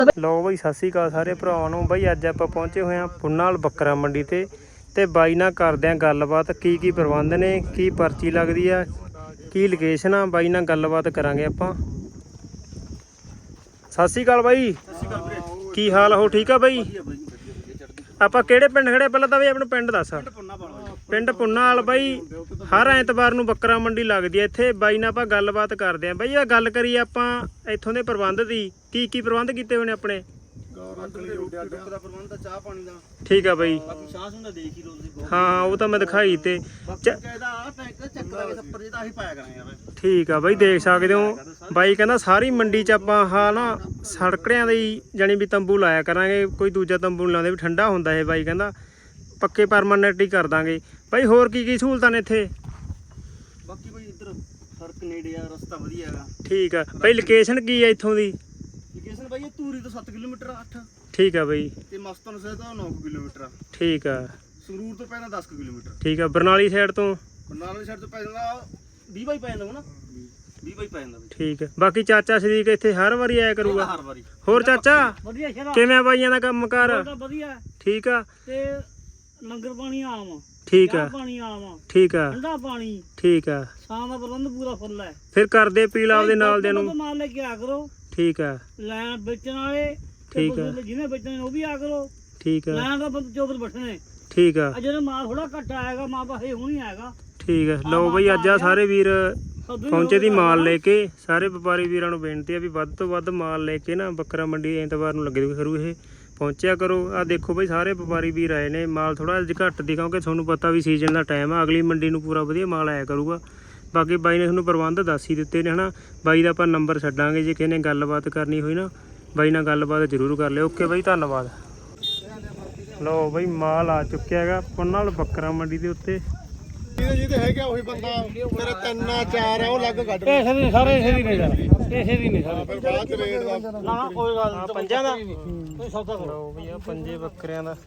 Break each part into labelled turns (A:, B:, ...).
A: ਲਓ ਬਈ ਸਤਿ ਸ਼੍ਰੀ ਅਕਾਲ ਸਾਰੇ ਭਰਾਵਾਂ ਨੂੰ। ਬਈ ਅੱਜ ਆਪਾਂ ਪਹੁੰਚੇ ਹੋਏ ਹਾਂ ਪੁੰਨਾਲ ਬੱਕਰਾ ਮੰਡੀ ਤੇ ਬਾਈ ਨਾਲ ਕਰਦੇ ਆਂ ਗੱਲਬਾਤ। ਕੀ ਪ੍ਰਬੰਧ ਨੇ, ਕੀ ਪਰਚੀ ਲੱਗਦੀ ਆ, ਕੀ ਲੋਕੇਸ਼ਨ ਆ, ਬਾਈ ਨਾਲ ਗੱਲਬਾਤ ਕਰਾਂਗੇ ਆਪਾਂ। ਸਤਿ ਸ਼੍ਰੀ ਅਕਾਲ ਬਾਈ। ਕੀ ਹਾਲ ਹੋ? ਠੀਕ ਆ ਬਾਈ। ਆਪਾਂ ਕਿਹੜੇ ਪਿੰਡ ਖੜੇ? ਪਹਿਲਾਂ ਤਾਂ ਬਈ ਆਪਣਾ ਪਿੰਡ ਦੱਸ। ਪਿੰਡ ਪੁੰਨਾਲ ਬਾਈ। ਹਰ ਐਤਵਾਰ ਨੂੰ ਬੱਕਰਾ ਮੰਡੀ ਲੱਗਦੀ ਹੈ ਇੱਥੇ। ਬਾਈ ਨਾਲ ਆਪਾਂ ਗੱਲਬਾਤ ਕਰਦੇ ਆਂ। ਬਾਈ ਆ ਗੱਲ ਕਰੀਏ ਆਪਾਂ ਇੱਥੋਂ ਦੇ ਪ੍ਰਬੰਧ ਦੀ। ਕੀ ਪ੍ਰਬੰਧ ਕੀਤੇ ਹੋਏ ਨੇ ਆਪਣੇ? ਠੀਕ ਆ ਬਾਈ। ਹਾਂ ਉਹ ਤਾਂ ਮੈਂ ਦਿਖਾਈ ਤੇ ਠੀਕ ਆ ਬਾਈ, ਦੇਖ ਸਕਦੇ ਹੋ। ਬਾਈ ਕਹਿੰਦਾ ਸਾਰੀ ਮੰਡੀ ਚ ਆਪਾਂ ਆਹ ਨਾ ਸੜਕੜਿਆਂ ਦੇ ਹੀ ਜਾਣੀ ਵੀ ਤੰਬੂ ਲਾਇਆ ਕਰਾਂਗੇ, ਕੋਈ ਦੂਜਾ ਤੰਬੂ ਨਹੀਂ ਲਾਉਂਦੇ, ਵੀ ਠੰਡਾ ਹੁੰਦਾ ਇਹ। ਬਾਈ ਕਹਿੰਦਾ ਪੱਕੇ ਪਰਮਾਨੈਂਟ ਹੀ ਕਰ ਦਾਂਗੇ। ਬਾਈ ਹੋਰ ਕੀ ਸਹੂਲਤਾਂ ਨੇ ਇੱਥੇ?
B: ਬਾਕੀ ਕੋਈ ਇੱਧਰ ਸੜਕ ਨੇੜੇ ਆ, ਰਸਤਾ ਵਧੀਆ ਹੈਗਾ।
A: ਠੀਕ ਆ ਬਾਈ। ਲੋਕੇਸ਼ਨ ਕੀ ਆ ਇੱਥੋਂ ਦੀ?
B: ਲੋਕੇਸ਼ਨ ਬਾਈ ਧੂਰੀ ਤੋਂ 7 ਕਿਲੋਮੀਟਰ 8।
A: ਠੀਕ ਆ ਬਾਈ।
B: ਤੇ ਮਸਤਨ ਸਾਹਿਬ ਤੋਂ 9 ਕਿਲੋਮੀਟਰ।
A: ਠੀਕ ਆ।
B: ਸੰਗਰੂਰ ਤੋਂ ਪੈਣਾ 10 ਕਿਲੋਮੀਟਰ।
A: ਠੀਕ ਆ। ਬਰਨਾਲੀ ਸਾਈਡ ਤੋਂ?
B: ਬਰਨਾਲੀ ਸਾਈਡ ਤੋਂ ਪੈ ਜਾਂਦਾ 20 ਬਾਈ ਪੈ ਜਾਂਦਾ ਹੋਣਾ, 20 ਬਾਈ ਪੈ ਜਾਂਦਾ।
A: ਠੀਕ ਆ। ਬਾਕੀ ਚਾਚਾ ਸ਼ਰੀਕ ਇੱਥੇ ਹਰ ਵਾਰੀ ਆਇਆ ਕਰੂਗਾ?
B: ਹਰ ਵਾਰੀ।
A: ਹੋਰ ਚਾਚਾ
C: ਵਧੀਆ
A: ਕਿਵੇਂ ਆ ਬਾਈਆਂ ਦਾ ਕੰਮ ਕਾਰ?
C: ਵਧੀਆ।
A: ਠੀਕ ਆ।
C: ਤੇ ਲੰਗਰ ਪਾਣੀ ਆਮ।
A: ਠੀਕ ਆ।
C: ਪਾਣੀ ਆਮ।
A: ਠੀਕ ਆ।
C: ਠੰਡਾ ਪਾਣੀ।
A: ਠੀਕ ਆ।
C: ਸ਼ਾਮ ਦਾ ਪ੍ਰਬੰਧ ਪੂਰਾ ਫੁੱਲ ਹੈ।
A: ਫਿਰ ਕਰਦੇ ਪੀਲਾ ਆਪਦੇ ਨਾਲ ਦੇ ਨੂੰ।
C: ਮਾਲ ਲੈ ਕੇ ਆ ਕਰੋ।
A: ਠੀਕ ਆ।
C: ਲੈਣ ਵੇਚਣ ਵਾਲੇ
A: ਠੀਕ ਆ।
C: ਜਿਹਨੇ ਵੇਚਣੇ ਉਹ ਵੀ ਆ ਕਰੋ।
A: ਠੀਕ ਆ।
C: ਲੈਣ ਦਾ ਚੋਬਰ ਬੈਠਣੇ।
A: ਠੀਕ ਆ।
C: ਜਦੋਂ ਮਾਲ ਥੋੜਾ ਘੱਟ ਆਏਗਾ ਮਾਂ ਪਾਸੇ ਹੁਣ ਹੀ ਆਏਗਾ।
A: ਠੀਕ ਆ। ਲਓ ਬਈ ਅੱਜ ਆ ਸਾਰੇ ਵੀਰ ਪਹੁੰਚੇ ਦੀ ਮਾਲ ਲੈ ਕੇ। ਸਾਰੇ ਵਪਾਰੀ ਵੀਰਾਂ ਨੂੰ ਬੇਨਤੀ ਆ ਵੀ ਵੱਧ ਤੋਂ ਵੱਧ ਮਾਲ ਲੈ ਕੇ ਨਾ ਬੱਕਰਾ ਮੰਡੀ ਐਤਵਾਰ ਨੂੰ ਲੱਗੇ ਕਰੂ ਇਹ ਪਹੁੰਚਿਆ ਕਰੋ। ਆ ਦੇਖੋ ਬਈ ਸਾਰੇ ਵਪਾਰੀ ਵੀਰ ਆਏ ਨੇ। ਮਾਲ ਥੋੜਾ ਜਿਹਾ ਘੱਟ ਦੀ, ਕਿਉਂਕਿ ਤੁਹਾਨੂੰ ਪਤਾ ਵੀ ਸੀਜ਼ਨ ਦਾ ਟਾਈਮ ਆ। ਅਗਲੀ ਮੰਡੀ ਨੂੰ ਪੂਰਾ ਵਧੀਆ ਮਾਲ ਆਇਆ ਕਰੂਗਾ। ਬਾਕੀ ਬਾਈ ਨੇ ਤੁਹਾਨੂੰ ਪ੍ਰਬੰਧ ਦੱਸ ਹੀ ਦਿੱਤੇ ਨੇ ਹਨਾ। ਬਾਈ ਦਾ ਆਪਾਂ ਨੰਬਰ ਛੱਡਾਂਗੇ, ਜੇ ਕਿਸੇ ਨੇ ਗੱਲਬਾਤ ਕਰਨੀ ਹੋਈ ਨਾ ਬਾਈ ਨਾਲ ਗੱਲਬਾਤ ਜ਼ਰੂਰ ਕਰ ਲਿਓ। ਓਕੇ ਬਾਈ, ਧੰਨਵਾਦ। ਲਓ ਬਈ ਮਾਲ ਆ ਚੁੱਕਿਆ ਹੈਗਾ ਪੁੰਨਾਲ ਬੱਕਰਾ ਮੰਡੀ ਦੇ ਉੱਤੇ।
D: ਜਿਹਦੇ ਹੈਗਾ ਉਹੀ ਬੰਦਾ। ਮੇਰੇ 3 4 ਆ ਉਹ ਲੱਗ ਕੱਢ।
C: ਪੈਸੇ ਵੀ ਸਾਰੇ ਇਸੇ ਦੀ ਨਹੀਂ ਯਾਰ, ਇਸੇ ਦੀ ਨਹੀਂ ਸਾਰੇ।
D: ਫਿਰ ਬਾਅਦ ਚ ਰੇਟ ਦਾ
C: ਨਾ ਕੋਈ ਗੱਲ ਨਹੀਂ।
A: ਪੰਜਾਂ ਦਾ
C: ਕੋਈ ਸੌਦਾ ਕਰੋ।
A: ਲਓ ਬਈ ਆ ਪੰਜੇ ਬੱਕਰਿਆਂ ਦਾ।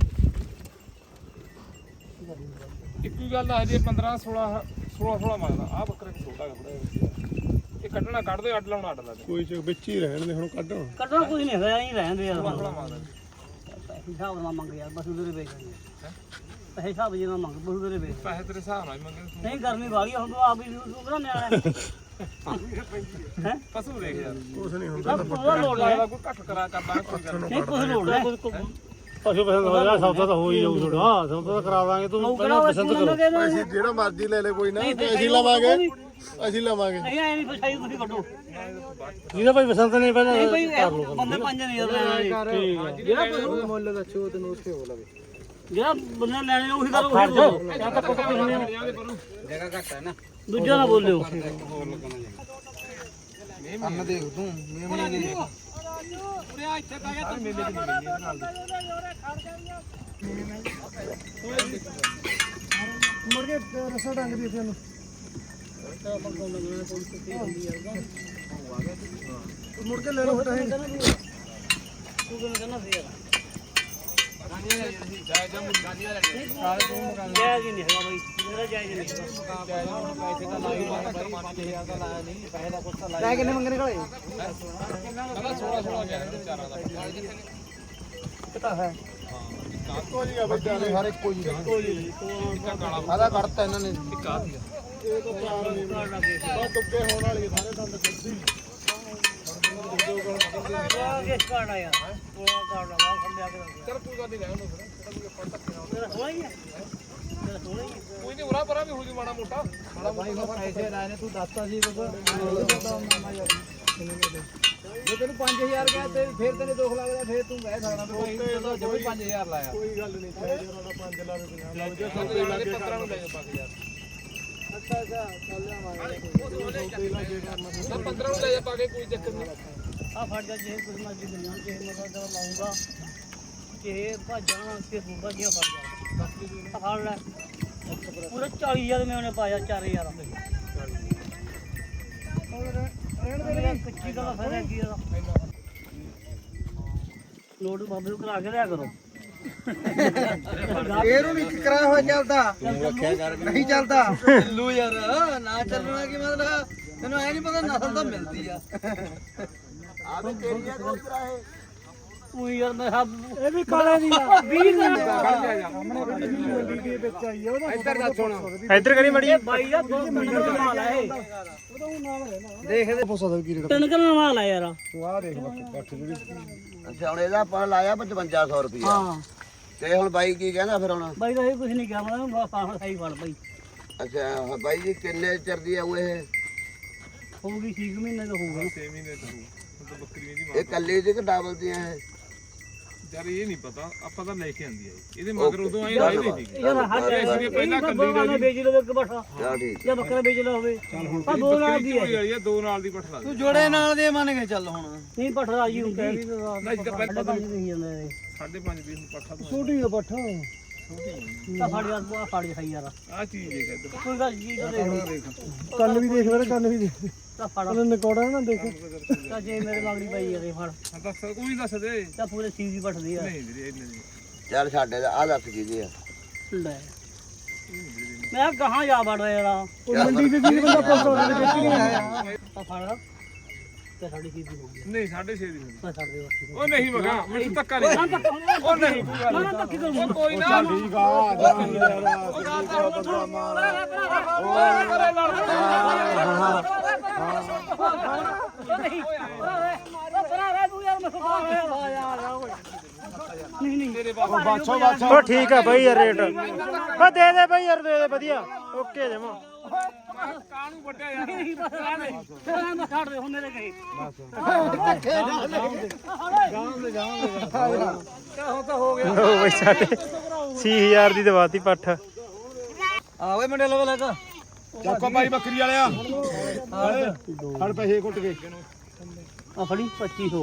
E: ਇੱਕੋ ਗੱਲ ਆ ਜੀ 15 16 ਮੰਗਦਾ। ਆ ਬੱਕਰਾ ਕਿ ਛੋਟਾ ਥੋੜਾ ਇਹ ਕੱਢਣਾ ਕੱਢ ਦੇ, ਅੱਡ ਲਾਉਣਾ ਅੱਡ ਲਾ ਦੇ।
D: ਕੋਈ ਚ ਵਿੱਚ ਹੀ ਰਹਿਣ ਦੇ ਹੁਣ ਕੱਢਣ।
C: ਕੱਢਣਾ ਕੁਝ ਨਹੀਂ ਹੋਇਆ, ਹੀ ਰਹਿੰਦੇ ਯਾਰ।
E: ਮੰਗਦਾ
C: ਹਿਸਾਬ ਨਾਲ ਮੰਗ ਯਾਰ, ਬਸ ਉਧਰੇ ਵੇਚ ਦਿੰਦੇ। ਪੈਸੇ ਹਿਸਾਬ ਜੇ ਨਾਲ ਮੰਗ, ਬਸ ਉਧਰੇ ਵੇਚ।
E: ਪੈਸੇ ਤੇਰੇ ਹਿਸਾਬ ਨਾਲ ਹੀ ਮੰਗੇ।
C: ਨਹੀਂ ਗਰਮੀ ਵਾਲੀ ਹੁਣ ਤੂੰ ਆਪ ਹੀ ਤੂੰ ਨਿਆਣਾ ਹੈ।
E: ਪਸ਼ੂ ਦੇਖ ਯਾਰ,
D: ਕੁਛ ਨਹੀਂ ਹੁੰਦਾ।
C: ਉਹਦਾ ਲੋੜ ਹੈ।
E: ਕੋਈ ਘੱਟ ਕਰਾ ਕਰਦਾ ਕੋਈ ਗੱਲ
C: ਨਹੀਂ ਕੁਝ ਲੋੜ ਹੈ।
A: ਪਸ਼ੂ ਪਸੰਦ ਹੋ ਜਾ, ਸੌਦਾ ਤਾਂ ਹੋ ਹੀ ਜਾਊ ਥੋੜਾ। ਹਾਂ ਸੌਦਾ ਤਾਂ ਕਰਾ ਦਾਂਗੇ। ਤੂੰ ਪਹਿਲਾਂ ਪਸੰਦ ਕਰੋ।
D: ਪੈਸੇ ਜਿਹੜਾ ਮਰਜ਼ੀ ਲੈ ਲੈ, ਕੋਈ ਨਾ। ਅਸੀਂ ਲਵਾਂਗੇ, ਅਸੀਂ ਲਵਾਂਗੇ।
C: ਨਹੀਂ ਐ ਨਹੀਂ ਫਸਾਈ ਤੁਸੀਂ ਕੱਢੋ।
A: ਜਿਹਦਾ ਭਾਈ ਪਸੰਦ ਨਹੀਂ ਪਹਿਲਾਂ
C: ਨਹੀਂ ਭਾਈ ਬੰਦੇ ਪੰਜ ਨਹੀਂ ਯਾਰ। ਜਿਹੜਾ ਪਸ਼ੂ
D: ਮੁੱਲ ਦੱਸੋ ਤੈਨੂੰ ਉੱਥੇ ਹੋ ਲਵੇ।
C: ਜਿਹੜਾ ਬੰਦੇ ਲੈਣੇ ਉਹੀ ਕਰੋ, ਉਹੀ ਬੋਲੋ।
D: ਜਗ੍ਹਾ ਘੱਟ ਹੈ ਨਾ।
C: ਦੂਜਾ ਨਾ ਬੋਲਿਓ।
D: ਅੰਨ ਦੇਖ ਤੂੰ ਮੇਮਣੇ ਦੇ ਦੇਖ। ਮੁੜ ਕੇ ਰਸਾ ਡੰਗ ਦੀ ਤੈਨੂੰ। ਮੁੜ ਕੇ ਲੈ ਲਓ ਫਿਰ।
C: ਤੂੰ ਕਿਵੇਂ ਕਹਿੰਦਾ ਸੀ ਯਾਰ? ਜਾਇਜ਼ ਹੀ ਨਹੀਂ ਹੈਗਾ ਬਾਈ, ਮੇਰਾ ਜਾਇਜ਼ ਨਹੀਂ ਹੈਗਾ।
D: ਕਿੰਨੇ ਮੰਗਣੇ ਕਾਲੇ?
E: 16
D: ਹੈ ਇੱਕੋ ਜੀ ਆ ਬੱਚਾ ਦੇ, ਹਰ ਇੱਕੋ ਜੀ ਆਦਾ ਕੱਢਤਾ ਇਹਨਾਂ ਨੇ। ਇਹ ਤਾਂ ਚਾਰ ਨਹੀਂ ਬਹੁਤ ਦੁੱਕੇ ਹੋਣ ਵਾਲੀ ਸਾਰੇ ਦੰਦ ਕੱਢੀ।
C: ਕਿਸ ਕਾਰਨ ਆਇਆ? ਉਹ ਕਾਰਨ ਆ ਖੰਡਿਆ ਕੇ
E: ਚੱਲ ਕੋਈ ਗੱਲ ਨਹੀਂ, ਰਹਿਣ ਦੋ ਫਿਰ।
C: ਤੇਰਾ ਹੋਣਾ ਹੀ ਹੈ। ਤੇਰਾ ਹੋਣਾ ਹੀ ਹੈ।
E: ਕੋਈ ਨਹੀਂ, ਉਰਾ ਪਰਾ ਵੀ ਹੋ ਜੂ ਮਾੜਾ ਮੋਟਾ।
D: ਭਾਈ ਮੈਂ ਪੈਸੇ ਲਾਏ ਨੇ, ਤੂੰ ਦੱਸਤਾ ਸੀ ਜੇ ਤੈਨੂੰ 5000 ਗਿਆ ਤੇ ਫਿਰ ਤੈਨੂੰ ਦੁੱਖ ਲੱਗਦਾ, ਫਿਰ ਤੂੰ ਕਹਿ ਸਕਦਾ ਭਾਈ ਜਮੀ 5000 ਲਾਇਆ। ਕੋਈ ਗੱਲ ਨਹੀਂ, 5 ਲਾ ਦੇ ਬਿਨਾ
E: 15 ਨੂੰ ਲੈ ਜਾ 5000।
D: ਅੱਛਾ ਚੱਲ ਲਿਆਵਾਂਗੇ।
E: 15 ਨੂੰ ਲੈ ਜਾ ਪਾ ਕੇ, ਕੋਈ ਚੱਕਰ ਨਹੀਂ।
C: ਆ ਫੜ ਜਾ ਜੇ ਕੁਝ ਮਰਜ਼ੀ ਦੁਨੀਆ ਜੇ ਮਸਾ ਦਾ ਲਾਉਂਗਾ ਕਿ ਭਾਜਾਂ ਤੇ ਬੂਬਾ ਜੀ ਫੜ ਜਾ। ਆ ਫੜ ਲੈ ਪੂਰੇ 40000 ਮੈਂ ਉਹਨੇ ਪਾਇਆ 4000 ਕੱਚੀ ਦਾ ਫਾਇਦਾ ਕੀ ਇਹਦਾ? ਲੋਡ ਬਾਬੇ ਨੂੰ ਕਰਾ ਕੇ ਲਿਆ ਕਰੋ।
D: ਇਹਨੂੰ ਵੀ ਕਰਾਇਆ ਹੋਇਆ ਚੱਲਦਾ ਨਹੀਂ ਚੱਲਦਾ ਚੱਲੂ ਯਾਰ। ਨਾ ਚੱਲਣਾ ਕੀ ਮਤਲਬ? ਤੈਨੂੰ ਐ ਨਹੀਂ ਪਤਾ ਨਸਲ ਤਾਂ ਮਿਲਦੀ ਆ। ਆਵੇ ਤੇਰੀਆਂ ਕੋਈ ਕਰਾਏ
C: ਉਹ ਯਾਰ ਮੈਂ ਇਹ ਵੀ ਕਾਲੇ ਦੀ ਆ 20 ਦਿਨ
E: ਇੱਧਰ ਦਾ ਸੁਣ
A: ਇੱਧਰ ਕਰੀ ਮੜੀ
C: ਇਹ ਬਾਈ ਦਾ 2 ਮਿੰਟ ਦਾ ਮਾਲ ਹੈ ਇਹ
D: ਦੇਖਦੇ ਪੁੱਛਦਾ ਕੀ ਰੇਟ
C: 3 ਕਿਲੋ ਮਾਲ ਹੈ ਯਾਰ
D: ਤੂੰ ਆ ਦੇਖ ਬੱਟ ਜਿਹੜੀ
B: ਅੱਛਾ ਹੁਣ ਇਹਦਾ ਆਪਾਂ ਲਾਇਆ 5500 ਰੁਪਇਆ
C: ਹਾਂ
B: ਤੇ ਹੁਣ ਬਾਈ ਕੀ ਕਹਿੰਦਾ ਫਿਰ ਹੁਣ
C: ਬਾਈ ਦਾ ਇਹ ਕੁਝ ਨਹੀਂ ਕਿਹਾ ਮੈਂ ਫਾਹ ਸਹੀ ਫੜ ਬਾਈ
B: ਅੱਛਾ ਬਾਈ ਜੀ ਕਿੰਨੇ ਚਿਰ ਦੀ ਆਉ ਇਹ
C: ਹੋਊਗੀ 6 ਮਹੀਨੇ ਦਾ ਹੋਊਗਾ
E: 6 ਮਹੀਨੇ ਤੋਂ ਹੁਣ ਤਾਂ ਬੱਕਰੀ ਦੀ
B: ਇਹ ਕੱਲੀ ਦੀ ਕਿ ਡਬਲ ਦੀਆਂ ਇਹ
E: ਯਾਰ ਇਹ ਨਹੀਂ ਪਤਾ ਆਪਾਂ ਤਾਂ ਲੈ ਕੇ ਆਂਦੀ ਆ ਇਹਦੇ ਮਗਰ ਉਦੋਂ ਆਈ ਲਾਈ ਨਹੀਂ ਸੀ
C: ਯਾਰ ਹੱਥ
E: ਅਸੀਂ ਪਹਿਲਾਂ ਕੱਲੀ
C: ਨੇ ਵੇਚ ਲਵੇ ਇੱਕ ਬੱਠਾ
B: ਚਲ ਠੀਕ
C: ਜਾਂ ਬੱਕਰਾ ਵੇਚ ਲਾ ਹੋਵੇ ਆ ਦੋ ਨਾਲ ਦੀ ਹੈ
E: ਵਾਲੀ ਆ 2 ਨਾਲ ਦੀ ਪੱਠ ਲਾ
C: ਤੂੰ ਜੋੜੇ ਨਾਲ ਦੇ ਮੰਨ ਕੇ ਚੱਲ ਹੁਣ ਨਹੀਂ ਪੱਠਾ ਰਾਜੀ ਹੁੰਦੀ
E: ਨਹੀਂ ਤਾਂ ਪਹਿਲਾਂ
C: ਨਹੀਂ ਜਾਂਦਾ ਇਹ
E: 5.5 ਦੀ ਹੁਣ ਪੱਠਾ ਤੋਂ
D: ਛੋਟੀ ਆ ਬੱਠਾ
C: ਤਾਂ ਫੜ ਯਾਰ ਆ ਫੜ ਖਾਈ ਯਾਰ
E: ਆ ਚੀਜ਼ ਦੇਖ ਇੱਧਰ
C: ਕੋਈ ਗੱਲ ਜੀ ਤਾਂ ਦੇਖ
D: ਕੰਨ ਵੀ ਦੇਖ ਲੈ ਕੰਨ ਵੀ ਦੇਖ
C: ਤਾਂ ਫੜ
D: ਉਹਨੇ ਨਕੌੜਾ ਨਾ ਦੇਖ
C: ਤਾਂ ਜੇ ਮੇਰੇ ਲਾਗੜੀ ਪਈ ਯਾਰ ਇਹ ਫੜ
E: ਹਾਂ ਦੱਸ ਕੋਈ ਦੱਸ ਦੇ
C: ਤਾਂ ਪੂਰੇ ਸੀਵ ਦੀ ਪੱਠਦੀ ਆ
E: ਨਹੀਂ ਵੀਰੇ ਇੰਨੇ ਨਹੀਂ
B: ਚੱਲ ਸਾਡੇ ਦਾ ਆ ਦੱਸ ਕੀ ਜੀ ਆ
C: ਲੈ ਮੈਂ ਕਹਾਂ ਜਾ ਵੜਦਾ ਯਾਰ
D: ਉਹ ਮੰਡੀ ਤੇ ਵੀ ਬੰਦਾ ਪੁੱਛਦਾ ਉਹਦੇ ਵਿੱਚ ਨਹੀਂ ਆਇਆ
C: ਤਾਂ ਫੜ ਤੇ ਸਾਡੀ ਸੀਵ ਦੀ ਹੋ ਗਈ
E: ਨਹੀਂ 6.5 ਦੀ ਹੋਣੀ।
C: ਤਾਂ ਛੱਡ ਦੇ ਬਸ
E: ਉਹ ਨਹੀਂ ਮਗਾ ਮੈਨੂੰ ਧੱਕਾ ਨਹੀਂ ਉਹ ਨਹੀਂ ਕੋਈ ਗੱਲ
C: ਨਾ ਧੱਕੇ ਕਰੂੰ
E: ਉਹ ਕੋਈ ਨਾ
D: ਠੀਕ ਆ ਬੰਦਾ ਮਾਰ
C: ਨਹੀਂ ਨਹੀਂ
D: ਬਾਛੋ ਬਾਛੋ
A: ਉਹ ਠੀਕ ਆ ਬਾਈ ਯਾਰ ਰੇਟ ਉਹ ਦੇ ਦੇ ਬਾਈ ਯਾਰ ਦੇ ਦੇ ਵਧੀਆ ਓਕੇ ਜਮਾ
E: ਕਾਹਨੂੰ ਵੱਡਿਆ ਯਾਰ
C: ਮੈਂ ਛੱਡ ਦੇ ਹੁਣ ਮੇਰੇ ਕਹੇ
A: ਲਓ ਬਾਈ ਸਾਡੇ 6000 ਦੀ ਦਵਾਤੀ ਪੱਠ
C: ਆਵੇ ਮੁੰਡੇ ਲੋ ਲੈ
D: ਚੱਕੋ ਭਾਈ ਬੱਕਰੀ ਵਾਲਿਆ ਫੜ ਪੈਸੇ ਘੁੱਟ ਕੇ
C: ਆ ਫੜੀ 2500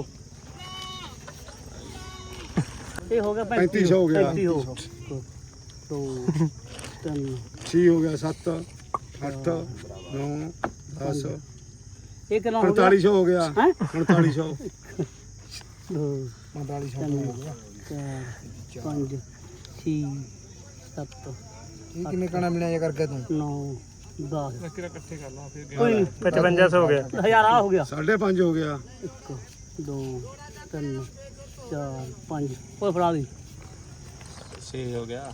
C: ਇਹ ਹੋ ਗਿਆ
D: 3500 ਹੋ ਗਿਆ
C: 3500 2 3
D: 6 ਹੋ ਗਿਆ 7 8 9 10
C: ਇਹ ਕਿੰਨਾ ਹੋ ਗਿਆ
D: 4500 ਹੋ ਗਿਆ
C: ਹੈ
D: 4500
C: 2
D: 4500 ਹੋ ਗਿਆ
C: 4 5 6 7
D: ਇਹ ਕਿੰਨੇ ਕਣਾ ਮਿਲਿਆ ਕਰਕੇ ਤੂੰ
C: 9 10
E: ਕਿਹੜਾ ਇਕੱਠੇ ਕਰ ਲਾ ਫਿਰ
C: ਕੋਈ ਨਹੀਂ
A: 5500 ਹੋ ਗਿਆ
C: ਹਜ਼ਾਰ ਆ ਹੋ ਗਿਆ
D: 5.5 ਹੋ ਗਿਆ
C: 1 2 3 4 5 ਕੋਈ ਫੜਾ ਦੀ
E: 6 ਹੋ ਗਿਆ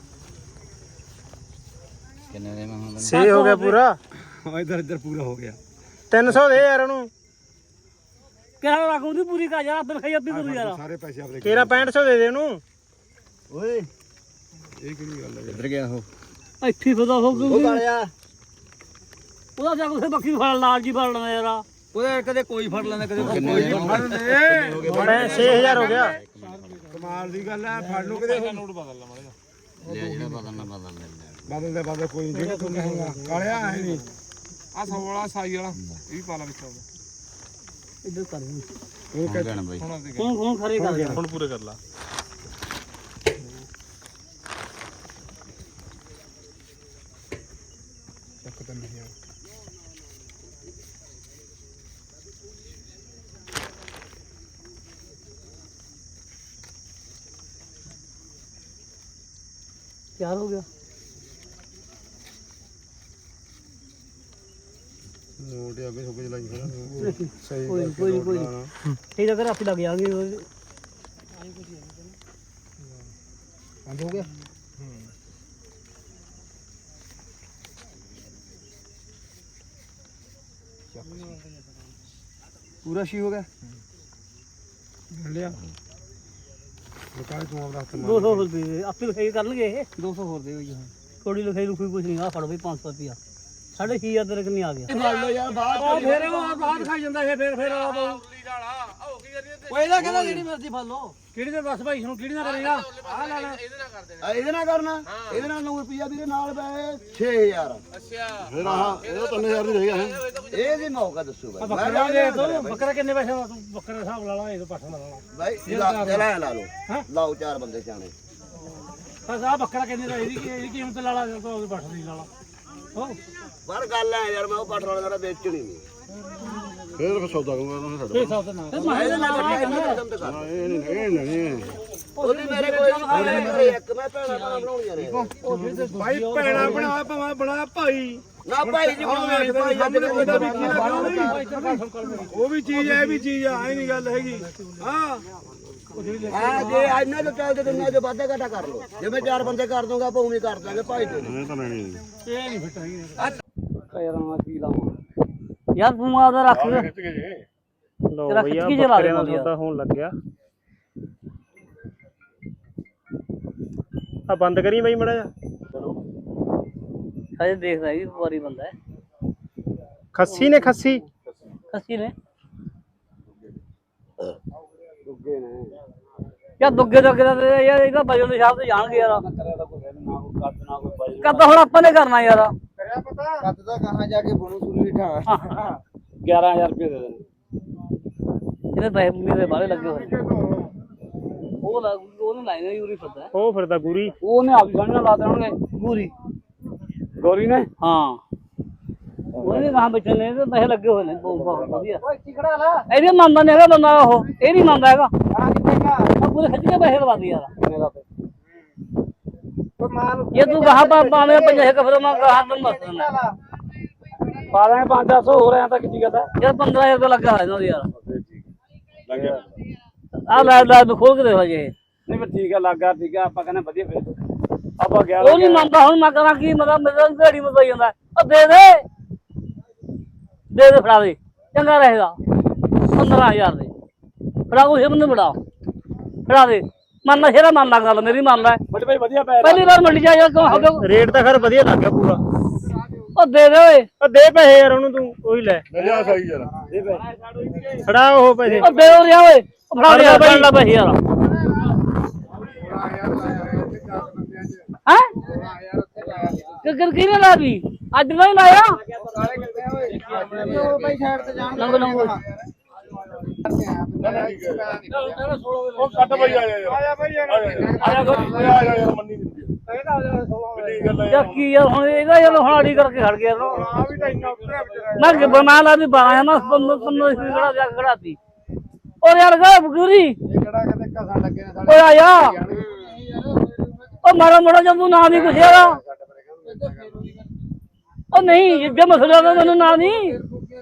A: 6 ਹੋ ਗਿਆ ਪੂਰਾ
D: ਇਧਰ ਇਧਰ ਪੂਰਾ ਹੋ ਗਿਆ
A: 300 ਦੇ ਯਾਰ ਉਹਨੂੰ
C: ਕਿਹੜਾ ਰੱਖੂ ਦੀ ਪੂਰੀ ਕਾ ਯਾਰ ਆਪੇ ਖਾਈ ਆਪੇ ਕਰੂ ਯਾਰ
D: ਸਾਰੇ ਪੈਸੇ ਆਪਣੇ
A: ਤੇਰਾ 6500 ਦੇ ਦੇ ਉਹਨੂੰ
B: ਓਏ
D: ਇਹ ਕਿਹੜੀ ਗੱਲ ਹੈ
B: ਕਿੱਧਰ ਗਿਆ ਉਹ
C: ਇੱਥੇ ਫਦਾ ਹੋ
B: ਉਹ
C: ਗਈ
B: ਕਾਲਿਆ
C: ਉਹਦਾ ਜਾ ਕੇ ਬੱਕੀ ਫੜ ਲਾਲ ਜੀ ਫੜ ਲੈਂਦਾ ਯਾਰ
B: ਉਹਦੇ ਕਦੇ ਕੋਈ ਫੜ ਲੈਂਦਾ ਕਦੇ ਕੋਈ
A: ਮੈਂ 6000 ਹੋ ਗਿਆ
D: ਕਮਾਲ ਦੀ ਗੱਲ ਹੈ ਫੜ ਲੋ ਕਿਤੇ
E: ਨੋਟ ਬਦਲ ਲਾ ਮਾੜਾ
B: ਲੈ ਜਿਹੜਾ ਬਦਲਣਾ
D: ਬਦਲਦੇ ਬਦਲ ਕੋਈ ਨਹੀਂ ਜਿਹੜਾ ਤੂੰ ਕਹੇਗਾ ਕਾਲਿਆ ਹੈ ਨਹੀਂ
E: ਆ 100 ਵਾਲਾ ਸਾਈ ਵਾਲਾ ਇਹ ਵੀ ਪਾ ਲਾ ਵਿੱਚ ਆਉਂਦਾ
C: ਇੱਧਰ ਕਰ
D: ਉਹ ਕਹਿੰਦਾ
E: ਹੁਣ ਅਸੀਂ
C: ਹੁਣ ਖਰੇ ਕਰ ਯਾਰ
E: ਹੁਣ ਪੂਰੇ ਕਰ ਲਾ
D: ਚੱਕ ਤਾਂ ਨਹੀਂ ਯਾਰ
C: ਤਿਆਰ ਹੋ ਗਿਆ
D: ਨੋਟ ਅੱਗੇ ਸੁੱਕ ਚਲਾਈ ਫਿਰ ਸਹੀ
C: ਕੋਈ ਇਹ ਤਾਂ ਕਰ ਆਪੇ ਲੱਗ ਜਾਣਗੇ
D: ਬੰਦ ਹੋ ਗਿਆ ਪੂਰਾ ਸ਼ੀ ਹੋ ਗਿਆ ਲਿਆ ਬਕਾਇ ਤੂੰ ਆਪਦਾ ਹੱਥ
C: 200 ਰੁਪਏ ਆਪੇ ਲਿਖਾਈ ਕਰਨਗੇ ਇਹ 200 ਹੋਰ ਦੇ ਹੋਈ ਥੋੜੀ ਲਿਖਾਈ ਲੁਖਾਈ ਕੁਝ ਨਹੀਂ ਆ ਫੜ ਬਈ 500 ਰੁਪਿਆ 6500 ਤੇਰੇ ਕਿੰਨੀ ਆ ਗਿਆ
D: ਫੜ ਲਓ ਯਾਰ ਬਾਹਰ
C: ਫਿਰ ਉਹ ਬਾਹਰ ਖਾਈ ਜਾਂਦਾ ਫਿਰ ਆ ਬਹੁ ਓਏ ਇਹਦਾ ਕਹਿੰਦਾ ਜਿਹੜੀ ਮਰਜ਼ੀ ਫੜ ਲਓ ਕਿਹੜੀ ਦੇ ਦੱਸ ਭਾਈ ਹੁਣ ਕਿਹੜੀ ਨਾਲ ਕਰੇਗਾ ਆ ਲੈ ਲੈ
B: ਇਹਦੇ ਨਾਲ ਕਰਨਾ ਇਹਦੇ ਨਾਲ 9 ਰੁਪਿਆ ਵੀਰੇ ਨਾਲ ਪਏ 6000 ਅੱਛਾ
D: ਫਿਰ ਆਹ ਇਹ 3000 ਦੀ ਰਹੇਗਾ ਹੈ
B: ਇਹ ਵੀ ਮੌਕਾ ਦੱਸੋ ਬਾਈ
C: ਬੱਕਰਾ ਦੇ ਦੋ ਬੱਕਰਾ ਕਿੰਨੇ ਪੈਸੇ ਦਾ ਤੂੰ ਬੱਕਰੇ ਦਾ ਹਿਸਾਬ ਲਾ ਲਾ ਇਹ ਪਾਠਾ ਲਾ ਲਾ
B: ਬਾਈ ਲਾ ਲਓ ਲਾਓ 4 ਬੰਦੇ ਸਿਆਣੇ
C: ਬਸ ਆ ਬੱਕਰਾ ਕਿੰਨੇ ਦਾ ਇਹਦੀ ਕੀਮਤ ਲਾ ਲਾ ਤਾਂ ਉਹਦੇ ਪਾਠਾ ਦੀ ਲਾ ਲਾ ਹੋ
B: ਪਰ ਗੱਲ ਐ ਯਾਰ ਮੈਂ ਉਹ ਪੱਠ ਵਾਲੇ ਦਾ ਵੇਚਣੀ ਨਹੀਂ
D: ਫਿਰ ਸੌਦਾ ਕਰੂੰਗਾ ਉਹਨਾਂ
C: ਇਹ ਹਿਸਾਬ ਤੇ ਨਾ
B: ਇਹਦੇ ਨਾਲ ਕਦਮ ਤੇ ਕਰ
D: ਇਹ ਨਹੀਂ
B: ਉਹਦੀ ਮੇਰੇ ਕੋਲ ਇੱਕ ਮੈਂ ਭੈਣਾ ਬਣਾਉਣੀਆਂ ਨੇ
D: ਭਾਈ ਭੈਣਾ ਬਣਾ ਭਾਵੇਂ ਬਣਾ ਭਾਈ
B: ਨਾ ਭਾਈ ਜੀ ਹੁਣ ਭਾਈ
D: ਸਾਹਮਣੇ ਉਹਦਾ ਵੀ ਕੀ ਲੱਗਾ ਉਹ ਵੀ ਚੀਜ਼ ਹੈ ਇਹ ਵੀ ਚੀਜ਼ ਆ ਐ ਨਹੀਂ ਗੱਲ ਹੈਗੀ ਹਾਂ ਹਾਂ ਜੇ ਇਹਨਾਂ ਦੇ ਚੱਲਦੇ ਤੇ ਉਹਨਾਂ ਦੇ ਵਾਧਾ ਘਾਟਾ ਕਰ ਲਓ ਜਿਵੇਂ 4 ਬੰਦੇ ਕਰ ਦੂੰਗਾ ਆਪਾਂ ਉਵੇਂ ਕਰ ਦਾਂਗੇ ਭਾਈ ਤੇ
C: ਯਾਰ ਤੂੰ ਆਦਾ ਰੱਖ
A: ਲੋ
C: ਤੇਰਾ
A: ਭਈਆ
C: ਖਿੱਚ ਕੇ ਚਲਾ
A: ਬੱਕਰੇ ਦਾ
C: ਦੇ
A: ਸੌਦਾ ਹੋਣ ਲੱਗਿਆ ਆ ਬੰਦ ਕਰੀ ਬਈ ਮੜਾ ਜਾ
C: ਹਜੇ ਦੇਖਦਾ ਵੀ ਵਪਾਰੀ ਬੰਦਾ ਹੈ
A: ਖੱਸੀ ਨੇ ਖੱਸੀ
C: ਖੱਸੀ ਨੇ ਯਾ ਦੁੱਗੇ ਦੁੱਗੇ ਦਾ ਯਾਰ ਇਹਦਾ ਵਜਨ ਦੇ ਹਿਸਾਬ ਤੇ ਜਾਣਗੇ ਯਾਰ ਕੱਦ ਹੁਣ ਆਪਾਂ ਨੇ ਕਰਨਾ ਯਾਰ
D: ਕੱਦ ਦਾ ਕਹਾਂ ਜਾ ਕੇ ਬਣੂ ਸੁਲੀ ਠਾ
C: 11000 ਰੁਪਏ ਦੇ ਦੇ ਇਹਦੇ ਪੈਸੇ ਮੇਰੇ ਬਾਹਲੇ ਲੱਗੇ ਹੋਏ ਨੇ ਉਹਨੇ ਲਾਈਨਾਂ ਯੂਰੀ ਫਿਰਦਾ
A: ਉਹ ਫਿਰਦਾ ਗੁਰੀ
C: ਉਹਨੇ ਆਪ ਗਾਣਾ ਲਾ ਦੇਣਗੇ ਪੂਰੀ ਗੋਰੀ ਨੇ ਹਾਂ ਉਹਨੇ ਕਹਾਂ ਬੱਚੇ ਨੇ ਤੇ ਪੈਸੇ ਲੱਗੇ ਹੋਏ ਨੇ ਬਹੁਤ ਵਧੀਆ
D: ਓਏ ਚਿਕੜਾ ਲਾ
C: ਇਹਦੇ ਮੰਨਦਾ ਨਹੀਂ ਹੈਗਾ ਬੰਦਾ ਉਹ ਇਹ ਨਹੀਂ ਮੰਨਦਾ ਹੈਗਾ
D: ਆ ਕਿੱਥੇਗਾ
C: ਆ ਪੂਰੇ ਖੱਜ ਕੇ ਪੈਸੇ ਲਵਾ ਦੀ ਯਾਰ
D: ਓਏ ਮਾਲ
C: ਇਹ ਤੂੰ ਕਹਾ ਪਾਵੇਂ 50 ਕਫਰ ਮੈਂ ਕਹਾ ਤੈਨੂੰ ਦੱਸ ਦਿੰਦਾ ਪਾ ਦਾਂਗੇ 500 ਹੋ ਰਿਹਾ ਤਾਂ ਕਿੰਨੀ ਕਹਤਾ ਯਾਰ 15000 ਰੁਪਏ ਲੱਗਾ ਹੋਇਆ ਇਹਨਾਂ ਯਾਰ
E: ਲੱਗਿਆ
C: ਆ ਲੈ ਖੋਲ ਕੇ ਦੇਖੋ ਜੇ
E: ਨਹੀਂ ਪਰ ਠੀਕ ਆ ਲੱਗਾ ਠੀਕ ਆ ਆਪਾਂ ਕਹਿੰਦੇ ਵਧੀਆ ਫੇਰ ਆਪਾਂ ਗਿਆ
C: ਉਹ ਨਹੀਂ ਮੰਨਦਾ ਹੁਣ ਮੈਂ ਕਰਾਂ ਕੀ ਮਤਲਬ ਮੇਰਾ ਢੇੜੀ ਮਤ ਜਾਂਦਾ ਉਹ ਦੇ ਫੜਾ ਦੇ ਚੰਗਾ ਰਹੇਗਾ 15000 ਦੇ ਫੜਾ ਉਹ ਹਿੰਮ ਨੂੰ ਫੜਾ ਦੇ ਮੰਨਦਾ ਸ਼ੇਰਾ ਮੰਨ ਲਾ ਗੱਲ ਮੇਰੀ ਮੰਨ ਲੈ
E: ਬੜੇ ਭਾਈ ਵਧੀਆ ਪੈ
C: ਪਹਿਲੀ ਵਾਰ ਮੰਡੀ ਜਾ ਕਿਉਂ
A: ਰੇਟ ਤਾਂ ਖਰ ਵਧੀਆ ਲੱਗ ਗਿਆ ਪੂਰਾ
C: ਉਹ ਦੇ ਓਏ
A: ਉਹ ਦੇ ਪੈਸੇ ਯਾਰ ਉਹਨੂੰ ਤੂੰ ਉਹੀ ਲੈ
E: ਲਿਆ ਸਹੀ ਯਾਰ ਦੇ ਭਾਈ
A: ਫੜਾ ਉਹ ਪੈਸੇ
C: ਉਹ ਦੇ ਰਿਆ ਓਏ ਫੜਾ ਦੇ ਬਣ ਲਾ ਪੈਸੇ ਯਾਰ ਕਿੱਕਰ ਕਿਹਨੇ ਲਾ ਵੀ ਅੱਜ ਨਹੀਂ ਲਾਇਆ
D: ਭਾਈ ਸਾਈਡ ਤੇ ਜਾਣ
C: ਨੰਗ ਨੰਗ
E: ਉਹ ਕੱਟ ਭਾਈ ਆਇਆ ਭਾਈ ਆਇਆ ਯਾਰ ਮੰਨੀ ਦਿੰਦੀ ਕਿੰਨੀ ਗੱਲ
C: ਯਾ ਕੀ ਯਾਰ ਹੁਣ ਇਹਦਾ ਯਾਰ ਹੁਣ ਆੜੀ ਕਰਕੇ ਖੜ ਗਿਆ
E: ਆ ਵੀ ਤਾਂ ਇੰਨਾ ਉੱਤਰਿਆ ਵਿਚਾਰਾ
C: ਮੈਂ ਬਣਾ ਲਾ ਵੀ ਬਾਇਆ ਮੈਂ ਪੰਨੋ ਖੜਾ ਜਾ ਖੜਾਤੀ ਔਰ ਯਾਰ ਗਾ ਬਗੂਰੀ
D: ਕਿਹੜਾ ਕਿਤੇ ਘਸਾਂ ਲੱਗੇ ਨੇ ਸਾਡੇ
C: ਓਏ ਆ ਜਾ ਉਹ ਮਾਰਾ ਮੋੜਾ ਜਦ ਤੂੰ ਨਾ ਨਹੀਂ ਕੁਛ ਯਾਰ ਉਹ ਨਹੀਂ ਜੇ ਮਸਲਾ ਦਾ ਮੈਨੂੰ ਨਾ ਨਹੀਂ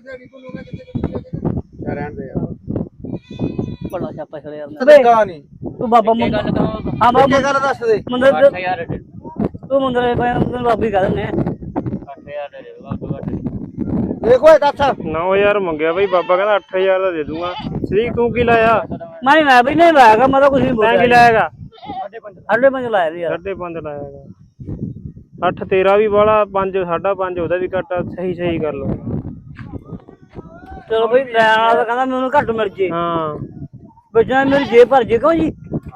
D: ਰਹਿਣ ਦੇ
C: ਬੜਾ ਛਾਪਾ ਛੜਿਆ ਯਾਰ
D: ਕਦੇ ਨਹੀਂ
C: ਤੂੰ ਬਾਬਾ ਹਾਂ ਬਾਬਾ
D: ਗੱਲ ਦੱਸ ਦੇ
C: ਮੰਦਰ ਤੂੰ ਮੰਦਰ ਤੈਨੂੰ ਬਾਬੀ ਕਰ ਦਿੰਨੇ
D: ਦੇਖੋ ਇਹ ਦੱਸ
A: 9000 ਮੰਗਿਆ ਬਈ ਬਾਬਾ ਕਹਿੰਦਾ 8000 ਦਾ ਦੇ ਦੂੰਗਾ ਸ੍ਰੀ ਤੂੰ ਕੀ ਲਾਇਆ
C: ਮੈਂ ਨਹੀਂ ਲਾਇਆ ਬਈ ਨਹੀਂ ਲਾਇਆਗਾ ਮੈਂ ਤਾਂ ਕੁਝ ਨਹੀਂ
A: ਮੈਂ
C: ਬੋਲਿਆ
A: ਕੀ ਲਾਇਆਗਾ
C: 5.5 ਲਾਇਆ ਯਾਰ
A: 5.5 ਲਾਇਆਗਾ 8 ਤੇਰਾ ਵੀ ਵਾਲਾ 5 5.5 ਉਹਦਾ ਵੀ ਘੱਟ ਸਹੀ ਕਰ ਲਓ
C: ਚਲੋ ਬਈ ਲੈਣ ਵਾਲਾ ਤਾਂ ਕਹਿੰਦਾ ਮੈਨੂੰ ਘੱਟ ਮਿਲ ਜੇ
A: ਹਾਂ
C: ਬੱਚਾ ਮੇਰੀ ਜੇਬ ਭਰ ਜੇ ਕਿਉਂ ਜੀ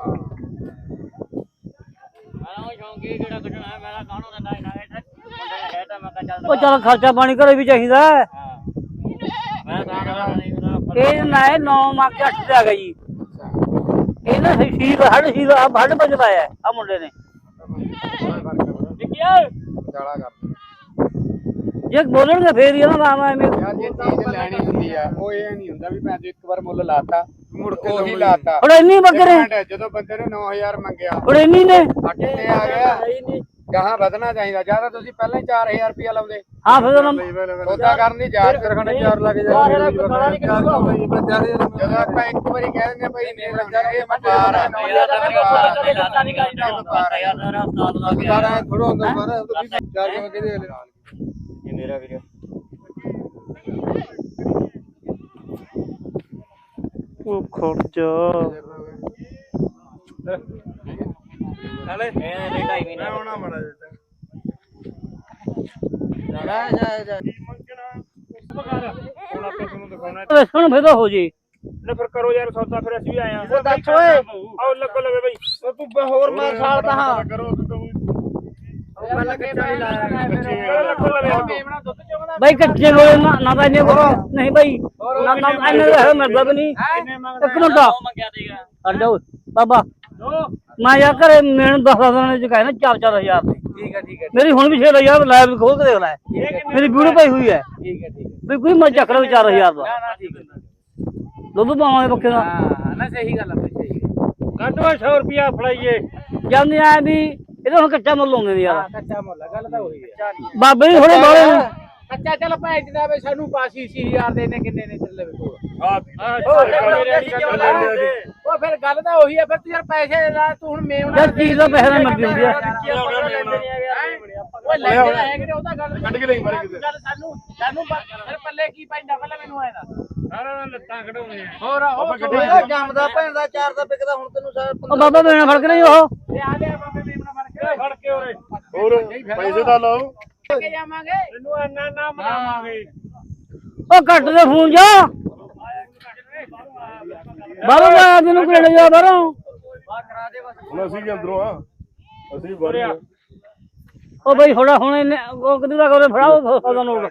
C: ਉਹ ਚੱਲ ਖਰਚਾ ਪਾਣੀ ਘਰੇ ਵੀ ਚਾਹੀਦਾ ਇਹ ਨਾ 9 ਮੱਕ 8 ਤੇ ਆ ਗਿਆ ਜੀ ਇਹਨਾਂ ਸ਼ੀਰ ਹੱਡ ਪੰਜ ਪਾਇਆ ਆ ਮੁੰਡੇ ਨੇ
D: ਜਾਲਾ ਕਰ
C: ਜੇ ਬੋਲਣਗੇ ਫੇਰ ਹੀ ਨਾ ਮੈਂ
D: ਯਾਰ ਜੇ ਚੀਜ਼ ਲੈਣੀ ਹੁੰਦੀ ਆ ਉਹ ਇਹ ਨਹੀਂ ਹੁੰਦਾ ਵੀ ਮੈਂ ਇੱਕ ਵਾਰ ਮੁੱਲ ਲਾਤਾ ਮੁੜ ਕੇ ਉਹੀ ਲਾਤਾ
C: ਹੁਣ ਇੰਨੀ ਬੱਕਰੇ
D: ਜਦੋਂ ਬੰਦੇ ਨੇ 9000 ਮੰਗਿਆ
C: ਹੁਣ ਇੰਨੀ ਨੇ
D: 8 ਤੇ ਆ ਗਿਆ ਗਾਹਾਂ ਵਧਣਾ ਚਾਹੀਦਾ ਜਿਆਦਾ ਤੁਸੀਂ ਪਹਿਲਾਂ ਹੀ 4000 ਰੁਪਇਆ ਲਾਉਂਦੇ
C: ਹਾਂ ਫਿਰ
D: ਸੌਦਾ ਕਰਨ ਦੀ ਜਾਚ ਕਰਖਣੇ 4 ਲੱਗ ਜਾਂਦੇ ਜਦੋਂ ਆਪਾਂ ਇੱਕ ਵਾਰੀ ਕਹਿ ਦਿੰਦੇ ਭਾਈ ਨਹੀਂ ਲੱਗਦਾ ਇਹ ਵਪਾਰ ਹੈ ਸਾਰਾ ਥੋੜਾ ਹੁੰਦਾ ਪਰ 4 ਕਿਲੋ ਕਿਹਦੇ
A: ਇਹ ਮੇਰਾ ਵੀਰ ਉਹ ਖਰਚ
E: ਨਾਲੇ ਇਹ 2.5 ਮਹੀਨੇ ਆਉਣਾ ਮੜਾ
C: ਸੁਣ ਫੇਦਾ ਹੋ ਜੇ
A: ਲੈ ਫਿਰ ਕਰੋ ਯਾਰ ਸੌਦਾ ਫਿਰ ਅਸੀਂ ਵੀ ਆਏ ਆ
D: ਉਹ ਦੱਸ ਓਏ
A: ਆਓ ਲੱਗੋ ਲਵੇ ਬਈ
D: ਤੂੰ ਹੋਰ ਮਾਰ ਸਾਲ ਤਾਂ
E: ਕਰੋ
D: ਪਹਿਲਾਂ ਕੱਚਾ ਨਹੀਂ ਲਾਇਆ
A: ਲੱਗੋ ਲਵੇ
C: ਬਾਈ ਕੱਚੇ ਕੋਲ ਨਾ ਤਾਂ ਇਹਨੇ ਨਹੀਂ ਬਾਈ ਨਾ ਇਹਨੇ ਹੈ ਮਰਦਾ ਵੀ ਨਹੀਂ ਇੱਕ ਮਿੰਟ ਹਟ ਜਾਓ ਬਾਬਾ ਮੈਂ ਯਾਰ ਘਰੇ ਮੈਨੂੰ 10 ਦਿਨਾਂ ਚ ਕਹੇ ਨਾ 4-4000 ਦੇ
D: ਠੀਕ ਹੈ
C: ਮੇਰੀ ਹੁਣ ਵੀ 6000 ਲਾਈਵ ਖੋਲ ਕੇ ਦੇਖ ਲੈ ਮੇਰੀ ਵੀਡੀਓ ਪਾਈ ਹੋਈ ਹੈ
D: ਠੀਕ ਹੈ
C: ਵੀ ਕੋਈ ਮੈਂ ਚੱਕ ਲਵਾਂ 4000 ਦਾ
D: ਨਾ ਠੀਕ ਹੈ
C: ਦੁੱਧ ਪਾਵਾਂਗੇ ਪੱਕੇ ਦਾ
D: ਹਾਂ ਨਾ ਸਹੀ ਗੱਲ ਆ ਸਹੀ
A: ਕੱਢਵਾ 100 ਰੁਪਿਆ ਫੜਾਈਏ
C: ਜਾਂਦੇ ਆ ਵੀ ਇਹਦਾ ਹੁਣ ਕੱਚਾ ਮੁੱਲ ਆਉਂਦੇ ਨੇ ਯਾਰ
D: ਕੱਚਾ ਮੁੱਲ ਗੱਲ ਤਾਂ ਉਹੀ ਹੈ
C: ਬਾਬੇ ਜੀ ਥੋੜੇ ਬਾਲੇ
D: ਕੱਚਾ ਚੱਲ ਭੈਣ ਜਨਾਬੇ ਸਾਨੂੰ ਪਾਸੀ 80000 ਦੇ ਨੇ ਕਿੰਨੇ ਨੇ ਚੱਲੇ ਵੇ ਕੋਲ
E: ਉਹ ਫਿਰ ਗੱਲ ਤਾਂ ਉਹੀ ਆ ਫਿਰ ਤੂੰ ਯਾਰ ਪੈਸੇ ਲਾ ਤੂੰ ਹੁਣ ਮੇਵਣਾ
C: ਯਾਰ ਚੀਜ਼ ਦਾ ਪੈਸਾ ਨਾ ਮਰਦੀ ਹੁੰਦੀ ਆ
E: ਓਏ ਲੈ ਕੇ ਹੈ ਕਿ ਉਹਦਾ ਗੱਲ ਕੱਢ ਕੇ ਨਹੀਂ ਮਾਰੇ ਕਿਤੇ ਗੱਲ ਸਾਨੂੰ ਫਿਰ ਪੱਲੇ ਕੀ ਪੈਂਦਾ ਪਹਿਲਾਂ ਮੈਨੂੰ ਆਇਆ ਦੱਸ ਸਾਰਾ ਲੱਤਾਂ ਕਢਾਉਣੇ ਹੋਰ
D: ਉਹ ਜੰਮਦਾ ਭੈਣ ਦਾ ਚਾਰ ਦਾ ਵਿਕਦਾ ਹੁਣ ਤੈਨੂੰ
C: ਉਹ ਬਾਬਾ ਮੇਣਾ ਫੜ ਕੇ ਨਹੀਂ ਉਹ
E: ਆ ਲਿਆ ਬਾਬੇ ਮੇਵਣਾ ਫੜ ਕੇ ਉਰੇ
D: ਹੋਰ ਪੈਸੇ ਤਾਂ ਲਾਓ
E: ਕੇ ਜਾਵਾਂਗੇ ਇਹਨੂੰ ਇੰਨਾ ਨਾ ਮਨਾਵਾਂਗੇ
C: ਉਹ ਕੱਟ ਦੇ ਫੋਨ ਜਾ ਬਾਬਾ ਮੈਂ ਤੈਨੂੰ ਕਿਹੜੇ ਜਾ ਬਾਹਰੋਂ
D: ਹੁਣ ਅਸੀਂ ਵੀ ਅੰਦਰੋਂ ਆ ਅਸੀਂ ਬਾਹਰ
C: ਉਹ ਬਈ ਥੋੜਾ ਹੁਣ ਇਹਨੇ ਉਹ ਕਿਦੋਂ ਦਾ ਕੋਲੇ ਫੜਾਓ ਸੌਦਾ ਨੋਟ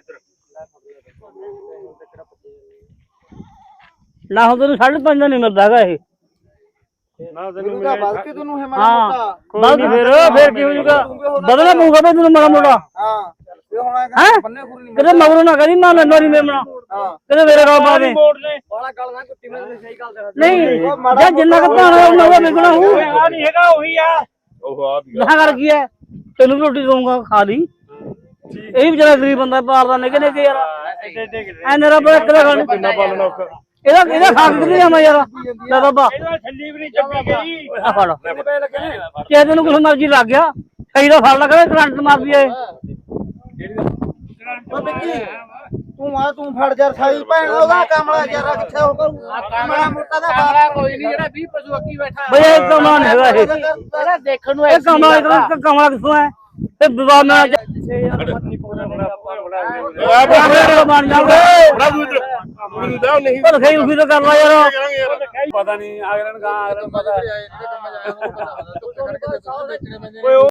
C: ਨਾ ਹੁਣ ਤੈਨੂੰ 5.5 ਦਾ ਨਹੀਂ ਮਿਲਦਾ ਹੈਗਾ ਇਹ
D: ਤੈਨੂੰ ਤਾਂ ਬਲਕਿ ਤੈਨੂੰ ਹੈ
C: ਹਾਂ ਬਾਕੀ ਫੇਰ ਕੀ ਹੋ ਜੂਗਾ ਬਦਲਾ ਪਊਗਾ ਬਈ ਤੈਨੂੰ ਮਾੜਾ ਮੋਟਾ
D: ਹਾਂ ਇਹ ਹੁਣ
C: ਹੈਂ?
D: ਬੰਨੇ ਖੁਰੀ ਨਹੀਂ
C: ਕਿਤੇ ਮਗਰੋਂ ਨਾ ਕਰੀ ਮਾਂ ਨੰਨੋ ਨਹੀਂ ਮੇਮਣਾ
D: ਹਾਂ
C: ਕਿਤੇ ਮੇਰੇ ਕੋਲ ਪਾ ਦੇ
D: ਬਾਲਾ ਗੱਲ ਨਾ ਕੁੱਤੀ ਮੈਂ ਸਹੀ ਗੱਲ ਕਰ
C: ਨਹੀਂ ਜਾਂ ਜਿੰਨਾ ਕੁ ਭਾਣਾ ਉਹਨਾਂ ਦਾ ਵਿਕਣਾ ਹੋਊ
E: ਆ ਨਹੀਂ ਹੈਗਾ ਉਹੀ ਆ
D: ਉਹ ਆ ਵੀ
C: ਨਾ ਕਰ ਕੀ ਹੈ ਤੈਨੂੰ ਵੀ ਰੋਟੀ ਦਊਂਗਾ ਖਾ ਲਈ ਇਹ ਵੀ ਵਿਚਾਰਾ ਗਰੀਬ ਬੰਦਾ ਪਾਲਦਾ ਨਿੱਕੇ ਨਿੱਕੇ ਯਾਰ ਐ ਨਰਾ ਬੜਾ ਕਿਹੜਾ ਖਾਣ
D: ਕਿੰਨਾ ਪਾਲਣਾ ਔਖਾ
C: ਇਹਦਾ ਖਾ ਕੇ ਕਿੱਥੇ ਜਾਵਾਂ ਯਾਰ ਲੈ ਬਾਬਾ
E: ਇਹਦਾ ਛੱਲੀ ਵੀ ਨਹੀਂ ਚੱਪੀ ਗਈ
C: ਆ ਫੜ ਕਿਸੇ ਤੈਨੂੰ ਕੁਛ ਮਰਜ਼ੀ ਲੱਗ ਗਿਆ ਕਈ ਦਾ ਫੜ ਲੱਗਾ ਕਰੰਟ ਮਾਰਦੀ ਏ
D: ਉਹ ਵਿੱਕੀ ਤੂੰ ਫੜ ਯਾਰ ਸਾਈ ਭੈਣ ਦਾ ਉਹਦਾ ਕਮਲਾ ਯਾਰ ਕਿੱਥੇ ਹੋ ਕਰੂ ਕਮਲਾ ਮੋਟਾ ਦਾ
E: ਕਮਲਾ ਕੋਈ ਨਹੀਂ ਜਿਹੜਾ 20 ਪਸ਼ੂ ਅੱਗੀ ਬੈਠਾ
C: ਬਈ ਇਹ ਕਮਲਾ ਨਹੀਂ ਹੈਗਾ ਇਹ
E: ਇਹਦਾ ਦੇਖਣ ਨੂੰ
C: ਇਹ ਕਮਲਾ ਕਿੱਥੋਂ ਹੈ ਇਹ ਵਿਵਾਦ ਨਾਲ ਬਣ ਜਾਵੇ
D: ਬੜਾ ਦੂਰ ਮੈਨੂੰ ਦਾ ਨਹੀਂ
C: ਪਰ ਸਹੀ ਉਸੇ ਤੋਂ ਕਰ ਲਾ ਯਾਰ
E: ਪਤਾ ਨਹੀਂ ਅਗਰਨ ਗਾ ਅਗਰਨ ਪਤਾ
D: ਪਤਾ